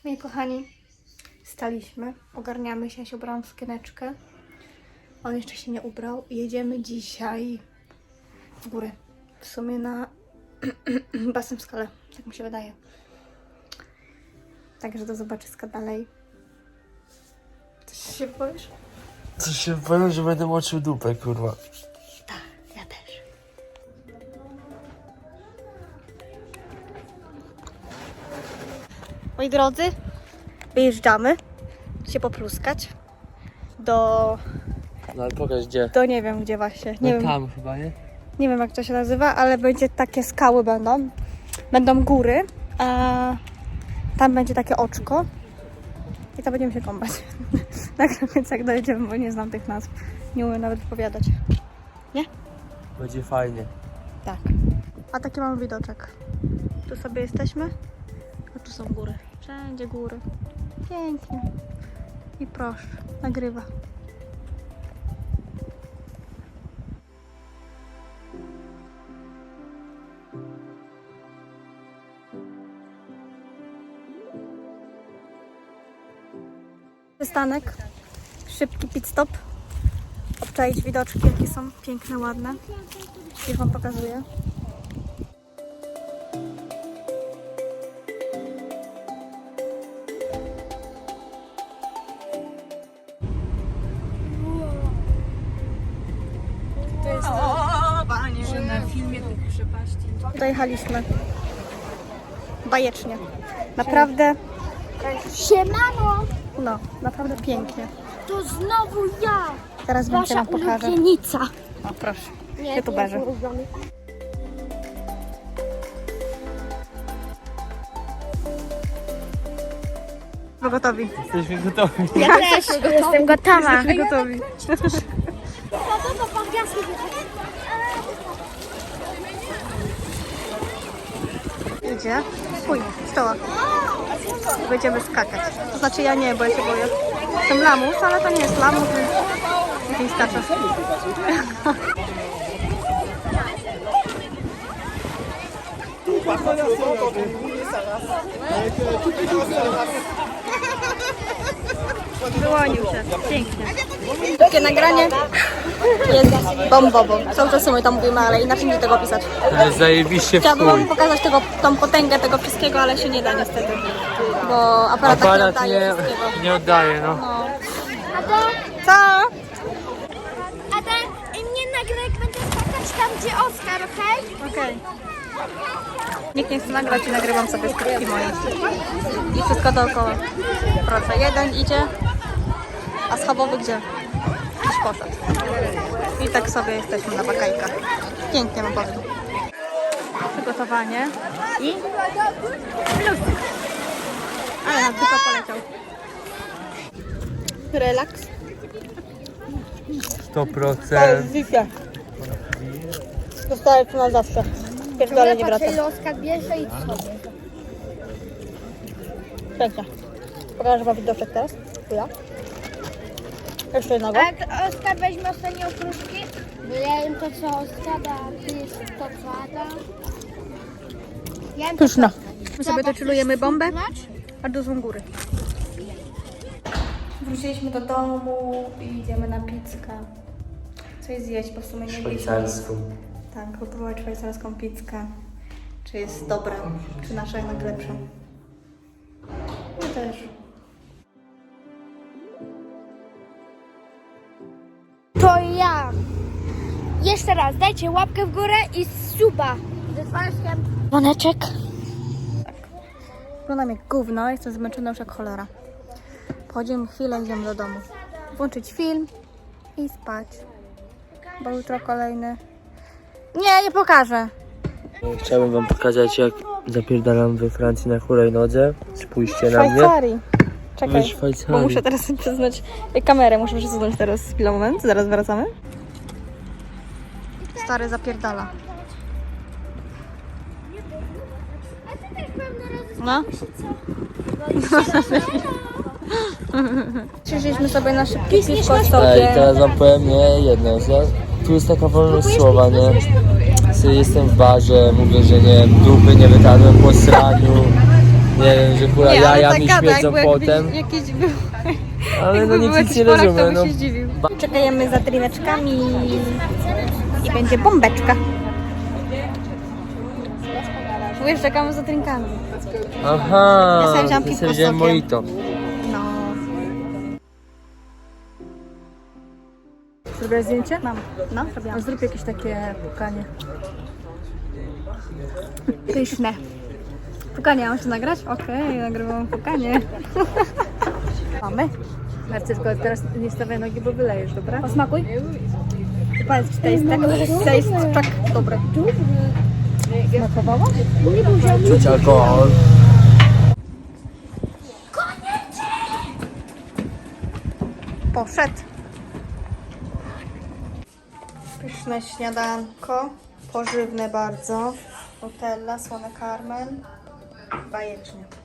Moi kochani, staliśmy, ogarniamy się, ja się ubrałam w sukieneczkę. On jeszcze się nie ubrał. Jedziemy dzisiaj w góry. W sumie na basen w Skale, tak mi się wydaje. Także do zobaczyska dalej. Coś się powiesz? Coś się powiem, że będę moczył dupę, kurwa. Tak, ja też. Moi drodzy, wyjeżdżamy się popluskać do No ale pokaż gdzie. nie wiem gdzie właśnie. Nie wiem. Tam chyba, nie? Nie wiem jak to się nazywa, ale będzie takie skały będą. Będą góry, a tam będzie takie oczko. I tam będziemy się kąpać. Tak więc jak dojedziemy, bo nie znam tych nazw. Nie umiem nawet wypowiadać. Nie? Będzie fajnie. Tak. A taki mamy widoczek. Tu sobie jesteśmy, a tu są góry. Wszędzie góry. Pięknie. I proszę, nagrywa. Przystanek, szybki pit stop, obczaić widoczki, jakie są piękne, ładne. Już wam pokazuję. Że na filmie tych przepaści. Dojechaliśmy. Bajecznie. Naprawdę, Siemano, no, naprawdę pięknie. to znowu ja, Teraz więcej wasza wam pokażę. ulubienica. O, proszę. Nie, YouTuberzy. to jest ulubiony. Gotowi. Jesteśmy gotowi. Ja też jestem gotowa. Jesteśmy gotowi. To pan Gwiazdki Idzie. Pój, stoła. Będziemy skakać. To znaczy ja nie, bo ja się boję. Jestem lamus, ale to nie jest lamus, więc lepiej skaczę. Wyłonił się. Pięknie. Takie nagranie jest bombowo. Cały czas my to mówimy, ale inaczej nie tego opisać. Zajebiście w Chciałabym wam chuj. pokazać tą potęgę tego wszystkiego, ale się nie da niestety. Bo aparat tak nie Aparat oddaje wszystkiego. nie oddaje, no. No. Ada, Co? Ada, mnie nagraj, jak będę skakać tam, gdzie Oskar, okej? Okej. Nikt nie chce nagrać i nagrywam sobie skrótki moje. I wszystko dookoła. Proszę, jeden idzie, a schabowy gdzie? Gdzieś poszedł. I tak sobie jesteśmy na bakajkach. Pięknie mam powiem. Przygotowanie i plus. Ale nam tylko poleciał. Relaks. 100%. Wi-Fi. Zostaje to na zawsze. Pierdolę nie wraca. ile Oskar bierze i co? Pięknie. Pokażę wam widoczek teraz. Chwila. Jeszcze jednego. A jak Oskar weźmie ostatnie okruszki? Bo ja jem to, co Oskar da, a ty jest to, co Ada. Ja jem to, Pyszne. co My sobie Ada. doczylujemy bombę, Chcesz a tu są góry. Wróciliśmy do domu i idziemy na pizzkę. Coś zjeść, bo w sumie nie jedliśmy. Szwajcarską. Tak, kupować szwajcarską pizzkę. Czy jest dobra, czy nasza jednak lepsza. Ja też. To ja. Jeszcze raz, dajcie łapkę w górę i suba. Ze dzwoneczkiem. Dzwoneczek. Wyglądam jak gówno, jestem zmęczona już jak cholera. Pochodzimy chwilę, idziemy do domu. Włączyć film i spać. Bo jutro kolejny... Nie pokażę. Chciałbym wam pokazać, jak zapierdalam we Francji na hulajnodze. Spójrzcie na mnie. Szwajcarii. Czekaj, We Szwajcarii. bo muszę teraz przesunąć kamerę, muszę przesunąć teraz chwilę, moment, zaraz wracamy. Stary zapierdala. No. Przyszliśmy sobie na szybkie piwko Tak, i sobie. teraz wam powiem nie jedno. Tu jest taka wolność słowa, nie? Jestem w barze, mówię, że nie, dupy nie wytarłem po sraniu. Nie wiem, że kurwa Nie, ale jaja tak mi gada, śmiedzą jakby potem. jakiś był. Ale no Jakby był nic jakiś nie Polak, to rozumiem. by No. się zdziwił. Czekajemy za drineczkami i będzie bombeczka. Mówisz, czekamy za drinkami. Aha, Ja sobie wziąłam to piwko sobie z wziąłem sokiem. mojito. No. Zrobiłaś zdjęcie? Mam. No, zrobiłam. Zrób jakieś takie pukanie. Pyszne. Pukanie, mam się nagrać? Okej, nagrywam pukanie. Mamy. Marcy, tylko teraz nie stawiaj nogi, bo wylejesz, dobra? Posmakuj. Powiedz, czy to jest tak? To jest tak dobre. Smakowało? Czuć alkohol. Poszedł. Pyszne śniadanko. Pożywne bardzo. Nutella, słony karmel. Bajecznie.